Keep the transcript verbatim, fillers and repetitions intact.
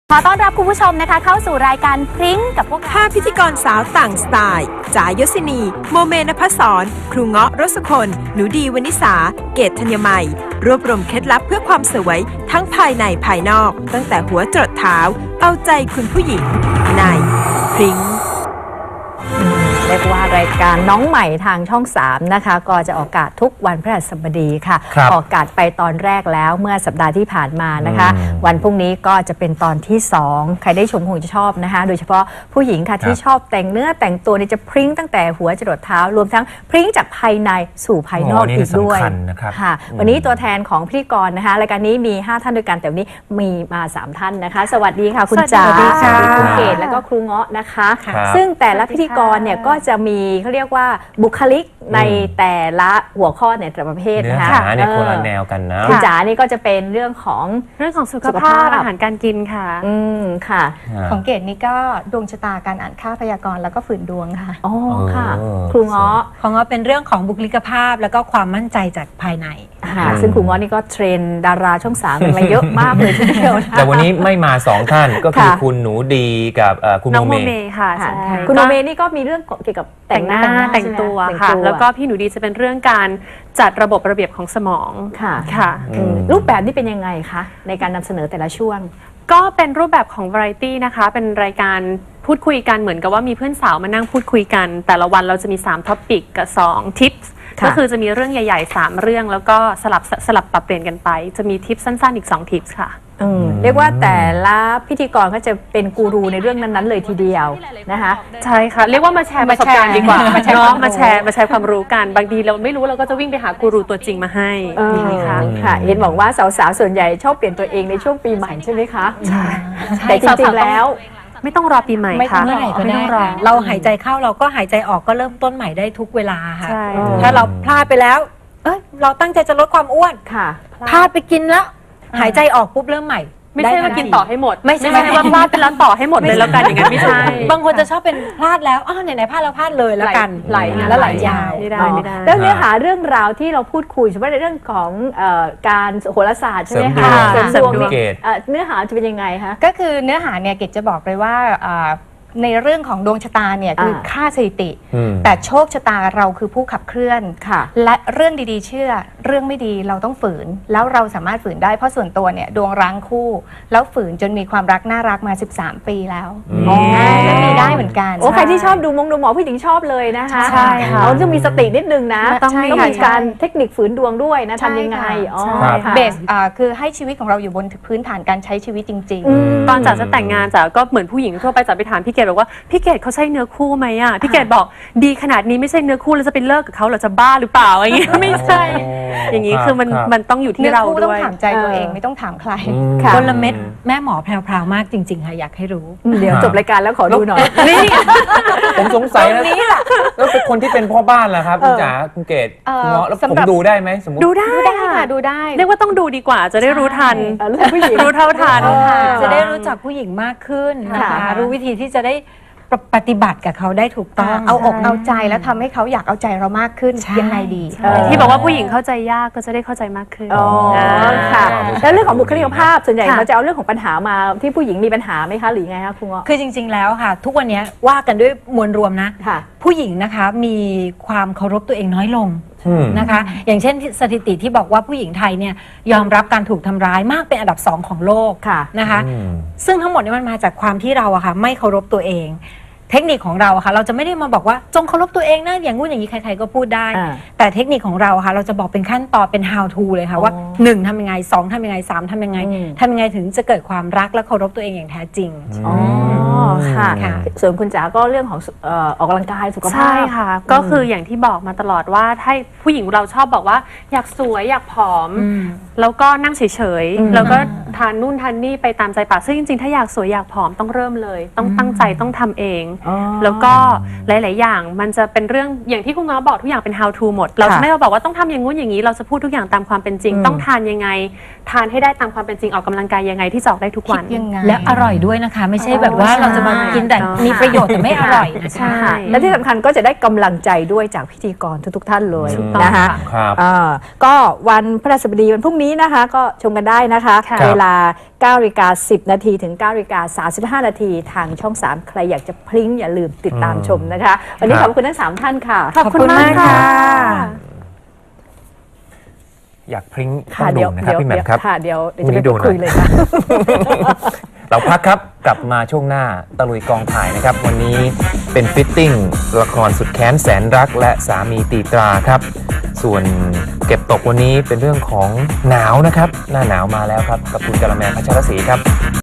ขอต้อนรับคุณผู้ชมนะคะเข้าสู่รายการพริ้งกับพวกห้าพิธีกรสาวต่างสไตล์จ๋ายศินีโมเมนภศรครูเงาะรสคนหนูดีวนิสาเกตธัญมัยรวบรวมเคล็ดลับเพื่อความสวยทั้งภายในภายนอกตั้งแต่หัวจรดเท้าเอาใจคุณผู้หญิงในพริ้งเรียกว่ารายการน้องใหม่ทางช่องสามนะคะก็จะออกอากาศทุกวันพฤหัสบดีค่ะออกอากาศไปตอนแรกแล้วเมื่อสัปดาห์ที่ผ่านมานะคะวันพรุ่งนี้ก็จะเป็นตอนที่สองใครได้ชมคงจะชอบนะคะโดยเฉพาะผู้หญิงค่ะที่ชอบแต่งเนื้อแต่งตัวนี่จะพริ้งตั้งแต่หัวจรดเท้ารวมทั้งพริ้งจากภายในสู่ภายนอกอีกด้วยค่ะวันนี้ตัวแทนของพิธีกรนะคะรายการนี้มีห้าท่านด้วยกันแต่วันนี้มีมาสามท่านนะคะสวัสดีค่ะคุณจ๋าสวัสดีคุณเกศแล้วก็ครูเงาะนะคะซึ่งแต่ละพิธีกรเนี่ยก็จะมีเขาเรียกว่าบุคลิกในแต่ละหัวข้อในแต่ละประเภทนะคะเนื้อหาเนี่ยคนละแนวกันนะคุณจ๋านี่ก็จะเป็นเรื่องของเรื่องของสุขภาพอาหารการกินค่ะอืมค่ะของเกดนี่ก็ดวงชะตาการอ่านค่าพยากรณ์แล้วก็ฝืนดวงค่ะอ๋อค่ะครูเงาะของเงาะเป็นเรื่องของบุคลิกภาพแล้วก็ความมั่นใจจากภายในค่ะซึ่งครูเงาะนี่ก็เทรนดาราช่องสามมาเยอะมากเลยทีเดียวแต่วันนี้ไม่มาสองท่านก็คือคุณหนูดีกับคุณโมเมค่ะคุณโมเมนี่ก็มีเรื่องเกี่ยวกับแต่งหน้าแต่งตัวค่ะแล้วก็พี่หนูดีจะเป็นเรื่องการจัดระบบระเบียบของสมองค่ะค่ะรูปแบบนี้เป็นยังไงคะในการนำเสนอแต่ละช่วงก็เป็นรูปแบบของ variety นะคะเป็นรายการพูดคุยกันเหมือนกับว่ามีเพื่อนสาวมานั่งพูดคุยกันแต่ละวันเราจะมีสามท็อปิกกับสองทิปก็คือจะมีเรื่องใหญ่ๆสามเรื่องแล้วก็สลับสลับปรับเปลี่ยนกันไปจะมีทิปสั้นๆอีกสองทิปค่ะเรียกว่าแต่ละพิธีกรก็จะเป็นกูรูในเรื่องนั้นๆเลยทีเดียวนะคะใช่ค่ะเรียกว่ามาแชร์ประสบการณ์ดีกว่ามาแชร์มาแชร์มาแชร์ความรู้กันบางทีเราไม่รู้เราก็จะวิ่งไปหากูรูตัวจริงมาให้ค่ะค่ะเห็นบอกว่าสาวๆส่วนใหญ่ชอบเปลี่ยนตัวเองในช่วงปีใหม่ใช่ไหมคะใช่แต่จริงๆแล้วไม่ต้องรอปีใหม่ค่ะไม่ต้องรอเราหายใจเข้าเราก็หายใจออกก็เริ่มต้นใหม่ได้ทุกเวลาค่ะถ้าเราพลาดไปแล้วเอ้ยเราตั้งใจจะลดความอ้วนค่ะพลาดไปกินแล้วหายใจออกปุ๊บเริ่มใหม่ไม่ใช่ว่ากินต่อให้หมดไม่ใช่ว่าพลาดไปแล้วต่อให้หมดเลยแล้วกันอย่างนั้นไม่ใช่บางคนจะชอบเป็นพลาดแล้วอ้าวไหนๆพลาดแล้วพลาดเลยแล้วกันไหลแล้วไหลยาวไม่ได้ไม่ได้แล้วเนื้อหาเรื่องราวที่เราพูดคุยเฉพาะในเรื่องของการโหราศาสตร์ใช่ไหมคะเสริมดวงเนื้อหาจะเป็นยังไงคะก็คือเนื้อหาเนี่ยเกดจะบอกเลยว่าในเรื่องของดวงชะตาเนี่ยคือค่าสถิติแต่โชคชะตาเราคือผู้ขับเคลื่อนและเรื่องดีๆเชื่อเรื่องไม่ดีเราต้องฝืนแล้วเราสามารถฝืนได้เพราะส่วนตัวเนี่ยดวงร้างคู่แล้วฝืนจนมีความรักน่ารักมาสิบสามปีแล้วและมีได้เหมือนกันโอ้ใครที่ชอบดูมงดูหมอผู้หญิงชอบเลยนะคะใช่ค่ะเราต้องมีสตินิดนึงนะต้องมีการเทคนิคฝืนดวงด้วยนะทำยังไงอ๋อเบสคือให้ชีวิตของเราอยู่บนพื้นฐานการใช้ชีวิตจริงๆตอนจ๋าจะแต่งงานจ๋าก็เหมือนผู้หญิงทั่วไปจ๋าไปถามพี่เกดบอกว่าพี่เกดเขาใช่เนื้อคู่ไหมอ่ะพี่เกดบอกดีขนาดนี้ไม่ใช่เนื้อคู่แล้วจะไปเลิกกับเขาเราจะบ้าหรือเปล่าอย่างเงี้ยไม่ใช่อย่างนี้คือมันมันต้องอยู่ที่เราด้วยต้องถามใจตัวเองไม่ต้องถามใครคนละเม็ดแม่หมอแพรวๆมากจริงๆค่ะอยากให้รู้เดี๋ยวจบรายการแล้วขอดูหน่อยนี่ผมสงสัยนะแล้วเป็นคนที่เป็นพ่อบ้านล่ะครับคุณจ๋าคุณเกดคุณเงาะแล้วผมดูได้ไหมสมมติดูได้ค่ะดูได้เรียกว่าต้องดูดีกว่าจะได้รู้ทันรู้เท่าทันจะได้รู้จักผู้หญิงมากขึ้นนะคะรู้วิธีที่จะได้ปฏิบัติกับเขาได้ถูกต้องเอาอกเอาใจแล้วทำให้เขาอยากเอาใจเรามากขึ้นยังไงดีที่บอกว่าผู้หญิงเข้าใจยากก็จะได้เข้าใจมากขึ้นอ๋อค่ะแล้วเรื่องของบุคลิกภาพส่วนใหญ่เราจะเอาเรื่องของปัญหามาที่ผู้หญิงมีปัญหาไหมคะหรือไงคะครูเงาะคือจริงๆแล้วค่ะทุกวันนี้ว่ากันด้วยมวลรวมนะผู้หญิงนะคะมีความเคารพตัวเองน้อยลงนะคะอย่างเช่นสถิติที่บอกว่าผู้หญิงไทยเนี่ยยอมรับการถูกทำร้ายมากเป็นอันดับสองของโลกนะคะซึ่งทั้งหมดนี้มันมาจากความที่เราอะค่ะไม่เคารพตัวเองเทคนิคของเราค่ะเราจะไม่ได้มาบอกว่าจงเคารพตัวเองนะอย่างงู้นอย่างนี้ใครๆก็พูดได้แต่เทคนิคของเราค่ะเราจะบอกเป็นขั้นตอนเป็น how to เลยค่ะว่าหนึ่งทำยังไงสองทำยังไงสามทำยังไงทำยังไงถึงจะเกิดความรักและเคารพตัวเองอย่างแท้จริงอ๋อค่ะส่วนคุณจ๋าก็เรื่องของออกกำลังกายสุขภาพใช่ค่ะก็คืออย่างที่บอกมาตลอดว่าถ้าผู้หญิงเราชอบบอกว่าอยากสวยอยากผอมแล้วก็นั่งเฉยๆแล้วก็ทานนู่นทานนี่ไปตามใจปากซึ่งจริงๆถ้าอยากสวยอยากผอมต้องเริ่มเลยต้องตั้งใจต้องทำเองแล้วก็หลายๆอย่างมันจะเป็นเรื่องอย่างที่คุณเงาะบอกทุกอย่างเป็น how to หมดเราจะไม่มาบอกว่าต้องทำอย่างงู้นอย่างนี้เราจะพูดทุกอย่างตามความเป็นจริงต้องทานยังไงทานให้ได้ตามความเป็นจริงออกกำลังกายยังไงที่จะออกได้ทุกวันและอร่อยด้วยนะคะไม่ใช่แบบว่าเราจะมากินแต่มีประโยชน์แต่ไม่อร่อยนะใช่คะและที่สำคัญก็จะได้กำลังใจด้วยจากพิธีกรทุกๆท่านเลยถูกต้องนะคะครับอ่าก็วันพฤหัสบดีวันพรุ่งนี้นะคะ ก็ชมกันได้นะคะค่ะเวลาเก้านาฬิกาสิบนาทีถึงเก้านาฬิกาสามสิบห้านาทีทางช่อง สาม ใครอยากจะพลิ้งอย่าลืมติดตามชมนะคะ วันนี้ขอบคุณทั้งสามท่านค่ะขอบคุณมากค่ะอยากพริ้งต้ค่ะองดูเดี๋ยวนะครับเดี๋ยวพี่แหม่มครับค่ะเดี๋ยวเดี๋ยวพรุ่จะงนี้ไปดูหน่อยคุยเลยค่ะเราพักครับกลับมาช่วงหน้าตะลุยกองถ่ายนะครับ วันนี้เป็นฟิตติ้งละครสุดแค้นแสนรักและสามีตีตราครับ ส่วนเก็บตกวันนี้เป็นเรื่องของหนาวนะครับ หน้าหนาวมาแล้วครับกับคุณกะละแมพัชรศรีครับ